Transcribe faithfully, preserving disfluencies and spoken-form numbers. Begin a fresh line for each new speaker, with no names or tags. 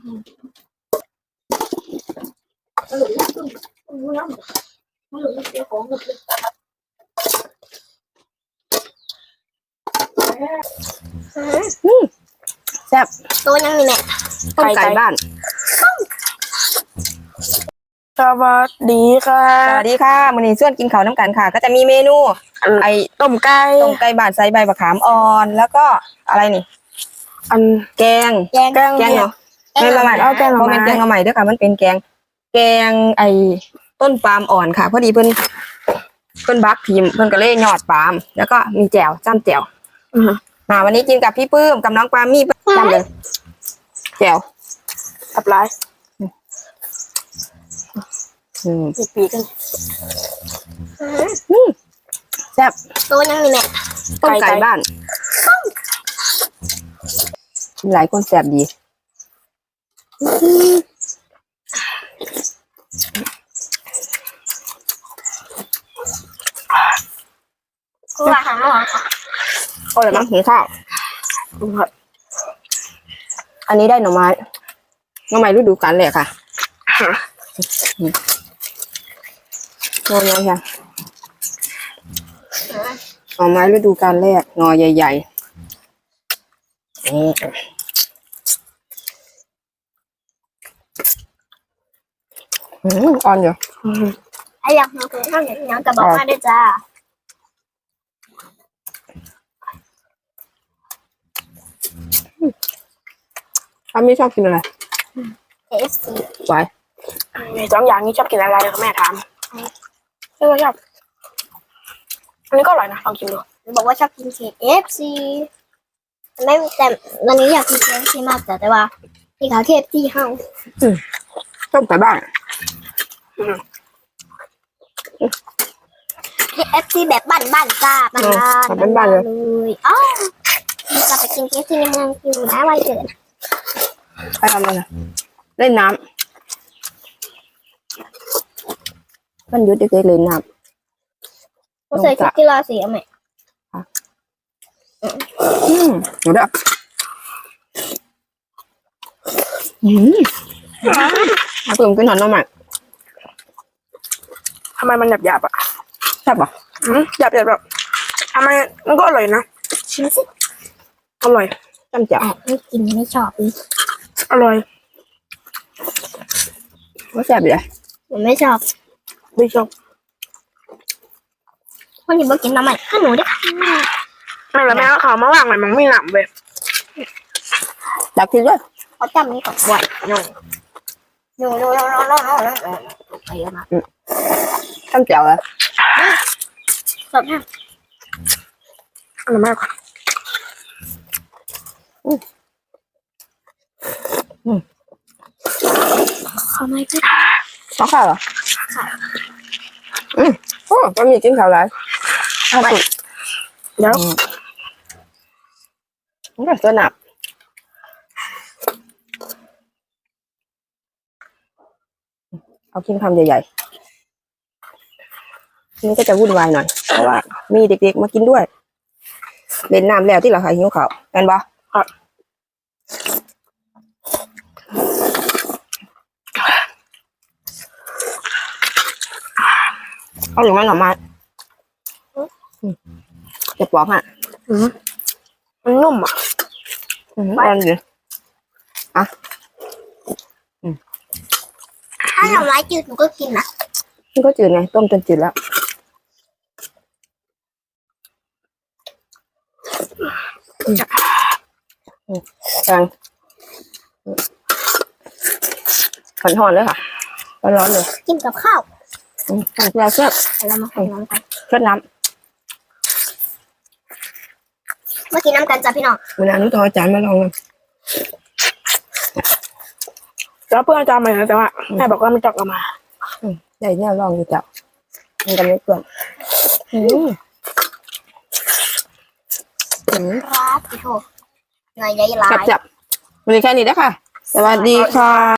แซ่บ
ตัวยังนี่แม่
ต้มไก่บ้าน
สวัสดีค่ะ
สวัสดีค่ะมื้อนี้ส่วนกินข้าวน้ำกันค่ะก็จะมีเมนูไอ้
ต้มไก่
ต้มไก่บ้านใส่ใบมะขามอ่อนแล้วก็อะไรนี่
อัน
แกง
แกง
แกงเนาะแกงละไม้เอาแกงละไม้แกงละไม้เด้อค่ะมันเป็นแกงแกงไอ้ต้นปาล์มอ่อนค่ะพอดีเพิ่นเพิ่นบักพิมเพิ่นก็เลยยอดปาล์มแล้วก็มีแจ่วจ้ำแจ่วมาวันนี้กินกับพี่ปื้มกับน้องปาล์มมีจ้ำเลยแจ่ว
กับไร
อืม
มีปีกัน
แซ่บ
ตัวยังนี่แม่
ต้มไก่บ้านหลายคนแซ่บดี
กูว่าหาหมอค่ะ
โอ้ยมั้งหิวข้าวอันนี้ได้หน่อไม้หน่อไม้ฤดูกาลเลยค่ะงอยังค่ะหน่อไม้ฤดูกาลแรกงอใหญ่ๆนี่อืมอ่อนอยู่
ไอ้อยากมาคุยข้าวเหนียวยังจะบอกมาด้วยจ้า
ป้าไม่ชอบกินอะไร
เอฟซี
ไว้
ในสองอย่างนี้ชอบกินอะไรคะแม่ถามเออชอบอันนี้ก็อร่อยนะลองกินดู
บอกว่าชอบกินเคเอฟซีไม่แต่วันนี้อยากกินเคเอฟซีมากแต่แต่ว่าพี่เขาเคเอฟซีเฮา
ต้มไก่บ้าน
เคเอฟซีแบบบ้านๆจ้าบ้านๆ
บ้านๆเลย
อ๋อจะไปกินเคเอฟซีในเมืองอยู่นะวันเกิด
ไปทำอะไรเล่นน้ำมันยุดเด็กๆเล่นน้ำ
ผมใส่ชุดกีฬาสีไหม
อืมหนูเด้ออืมเอาเพิ่มกินหน่อยน้องใหม่
ทำไมมันหยาบหยาบอ่ะ
แซ่บป่ะ
อืมหยาบหยาบแบบทำไมมันก็อร่อยนะ
ชิมสิ
อร่อย
จ้ำแจ่ว
ไม่กินไม่ชอบ
อร่อย
ว่าแซ่บเลย
ผมไม่ชอบ
ไม่ชอบ
วันนี้บอกกินน้ำใหม่ข้าหนูด้วยค่ะ
แม่แล้วแม่ก็เขามาว่างหน่อยมันไม่หนำเลย
อยากกินด้วย
เขาจำนี้ก่อนบ่อยหนูหนูหนูหนูหนูหนูหนูไปแล้วนะ
จ้ำแจ่วเลย
ชอบมาก
อร่อยมาก
อืมอืม
ขอไม่ก็
ชอบข้าวเหรออืมโอ้ก็มีกินข้าวไรข้าวสุก
แล้ว
มันก็สนับเอากินคำใหญ่ๆนี่ก็จะวุ่นวายหน่อยเพราะว่ามีเด็กๆมากินด้วยเล่นน้ำแล้วที่เราขายหิวข้าวกันบ่เอาหรือไม่หน่อไม้จะปอกอ่ะ
มันนุ่มอ่ะ
อ่อนอยู่อ่ะ
ถ้าหน่อไม้จืดหนูก็กินนะ
มันก็จืดไงต้มจนจืดแล้วกลางขันหอนเลยค่ะร้อนเลย
กินกับข้าว
เราเชื่อ
เรามาใส่น้ำกัน
เชื่อน้ำ
เมื่อกี้น้ำกันจ้ะพี่น้อง
เวลานี้ต้องเอาจานมาลองกัน
แล้วเพื่อนอาจารย์มาแต่ว่าแม่บอกว่าไม่จับกันมา
ใหญ่เนี่ยลองดูจับมันกันไม่เปลือกอืม
ครับพี่โถหน่อยใหญ่หลาย
จับจับวันนี้แค่นี้นะคะสวัสดีค่ะ